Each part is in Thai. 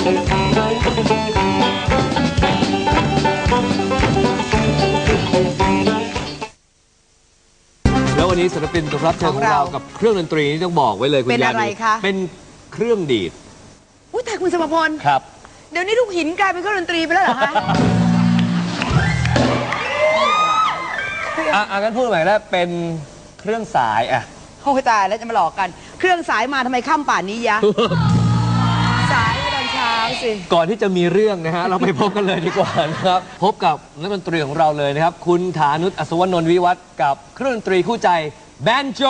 แล้ววันนี้ศิลปินรับเชิญของเรากับเครื่องดนตรีนี่ต้องบอกไว้เลยคุณยานีเป็นอะไรคะเป็นเครื่องดีดอุ้ยแต่คุณสมพลครับเดี๋ยวนี้ลูกหินกลายเป็นเครื่องดนตรีไปแล้วเหรอคะงั้นพูดใหม่แล้วเป็นเครื่องสายโอ้ยตายแล้วจะมาหลอกกันเครื่องสายมาทำไมค่ำป่านนี้ยะ สายตอนเช้าสิก่อนที่จะมีเรื่องนะฮะเราไปพบกันเลยดีกว่านะครับพบกับนักดนตรีของเราเลยนะครับคุณฐานุช อัศวนนท์วิวัฒน์กับเครื่องดนตรีคู่ใจแบนโจ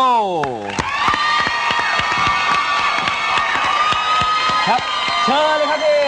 ครับเชิญเลยครับพี่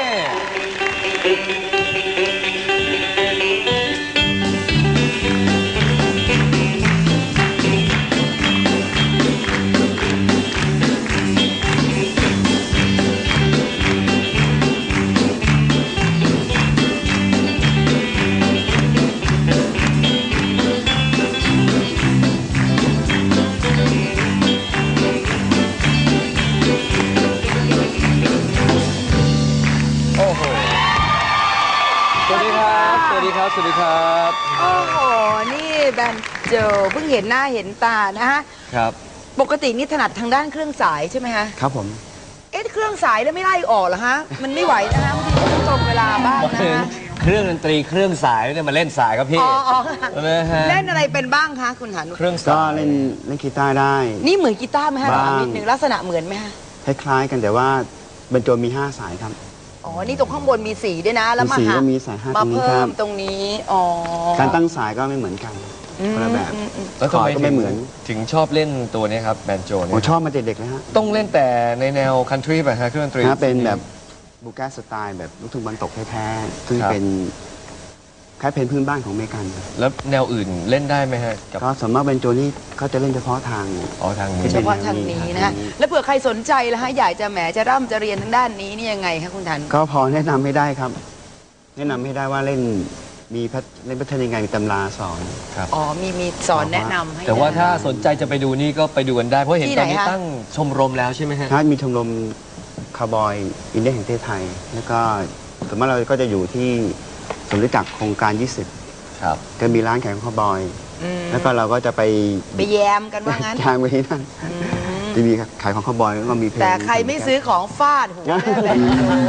สวัสดีครับโอ้โหนี่แบนโจเพิ่งเห็นหน้าเห็นตานะฮะครับปกตินี่ถนัดทางด้านเครื่องสายใช่ไหมฮะครับผมเครื่องสายแล้วไม่ไล่ออกเหรอฮะมันไม่ไหวนะฮะบางทีต้องตรงเวลาบ้างนะฮะเครื่องดนตรีเครื่องสายเนี่ยมาเล่นสายครับพี่เล่นอะไรเป็นบ้างคะคุณฐานุชเครื่องสายก็เล่นกีตาร์ได้นี่เหมือนกีตาร์ไหมฮะถามนิดนึงลักษณะเหมือนไหมฮะคล้ายๆกันแต่ว่าบรรจงมี5 สายครับอ๋อนี่ตรงข้างบนมีสีด้วยนะแล้วมีสาย5 มาเพิ่มตรงนี้อ๋อการตั้งสายก็ไม่เหมือนกันคนละแบบแล้วทำไมก็ไม่เหมือนถึงชอบเล่นตัวนี้ครับแบนโจเนี่ยผมชอบมาเด็กๆเลยฮะต้องเล่นแต่ในแนวคันทรีป่ะฮะเครื่องดนตรีเป็นแบบบูแกสไตล์แบบลูกทุ่งบรรตกแท้ๆซึ่งเป็นคล้ายเพลงพื้นบ้านของอเมริกันแล้วแนวอื่นเล่นได้ไหมฮะก็สมมติเป็นโจนี่เขาจะเล่นเฉพาะทางทางนี้เฉพาะทางนี้นะฮะแล้วเผื่อใครสนใจแล้วฮะอยากจะจะร่ำจะเรียนทางด้านนี้นี่ยังไงคะคุณฐานก็พอแนะนำให้ได้ครับแนะนำให้ได้ว่าเล่นพัฒนายังไงมีตำราสอนครับอ๋อมีสอนแนะนำให้แต่ว่าถ้าสนใจจะไปดูนี่ก็ไปดูกันได้เพราะเห็นตอนนี้ตั้งชมรมแล้วใช่ไหมฮะมีชมรมคาวบอยอินเดียแห่งประเทศไทยแล้วก็ส่วนมากเราก็จะอยู่ที่สมฤทธิ์จักรโครงการ20 ครับก็มีร้านขายของคาวบอยแล้วก็เราก็จะไปแยมกันว่างั้นทางไปที่นั่นจะมีขายของคาวบอยแล้วก็มีเพลงแต่ใครไม่ซื้อของฟาดหัวเลย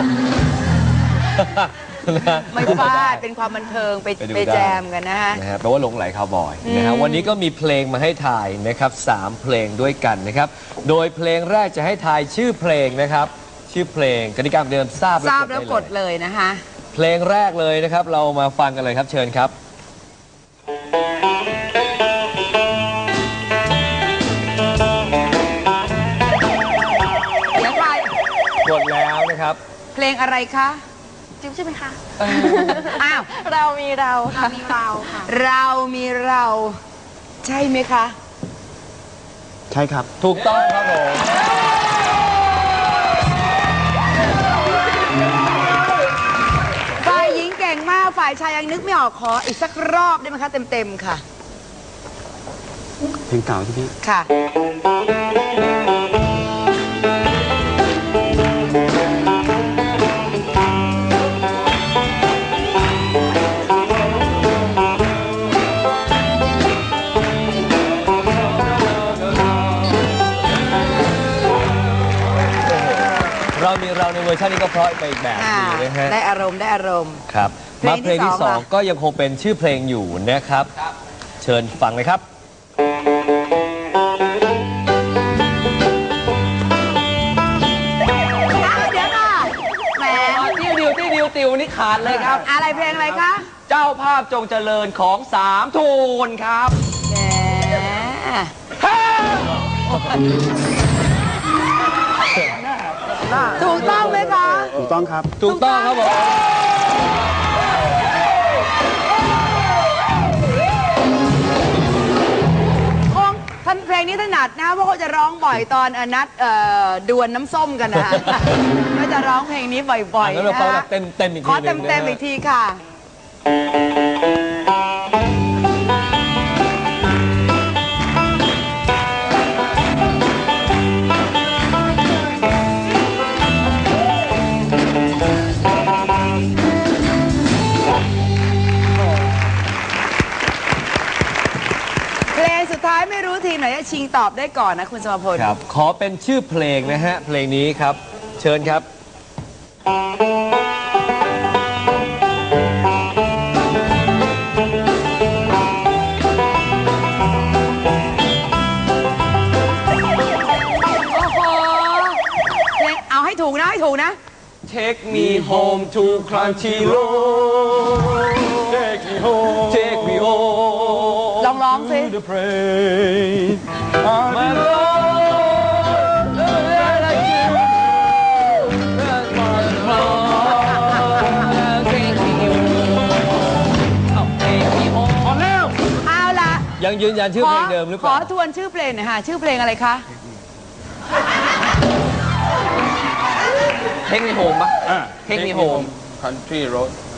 ไม่ฟาดเป็นความบันเทิงไปแจมกันนะฮะแปลว่าหลงไหลคาวบอยนะครับวันนี้ก็มีเพลงมาให้ทายนะครับ3 เพลงด้วยกันนะครับโดยเพลงแรกจะให้ทายชื่อเพลงนะครับชื่อเพลงกติกาเดิมทราบแล้วกดเลยนะคะเพลงแรกเลยนะครับเรามาฟังกันเลยครับเชิญครับเดี๋ยวใครกดแล้วนะครับเพลงอะไรคะจิ๊บใช่ไหมคะอ้าวเรามีเราค่ะเรามีเราใช่ไหมคะใช่ครับถูกต้องครับผมฝ่ายหญิงเก่งมากฝ่ายชายยังนึกไม่ออกขออีกสักรอบได้ไหมคะเต็มค่ะเพลงเก่าที่พี่ค่ะเราในเวอร์ชันนี้ก็เพราะไปอีกแบบนึงนะฮะได้อารมณ์ครับมาเพลงที่2ก็ยังคงเป็นชื่อเพลงอยู่นะครับเชิญฟังเลยครับเดี๋ยวก่อนแหมติ้วนี่ขาดเลยครับอะไรเพลงอะไรคะเจ้าภาพจงเจริญของ3 โทนครับแหมถูกต้องไหมคะถูกต้องครับถูกต้องครับผมท่านเพลงนี้ถนัดนะเพราะเขาจะร้องบ่อยตอนนัดดวลน้ำส้มกันนะก็จะร้องเพลงนี้บ่อยๆนะขอเต็มอีกทีค่ะชิงตอบได้ก่อนนะคุณสมพลครับ ขอเป็นชื่อเพลงนะฮะ เพลงนี้ครับ เชิญครับโอ้โหเพลงเอาให้ถูกนะให้ถูกนะ Take me home to Crunchy Road Take me home Take me home ลองร้องสิ to the praise My Lord like you That's my Lord Take me home Take me home พอแล้วเอาล่ะยังยืนยันชื่อเพลงเดิมหรือเปขอล่าทวนชื่อเพลงหน่อยค่ะชื่อเพลงอะไรคะ Take me home ปะ Take me home Country Road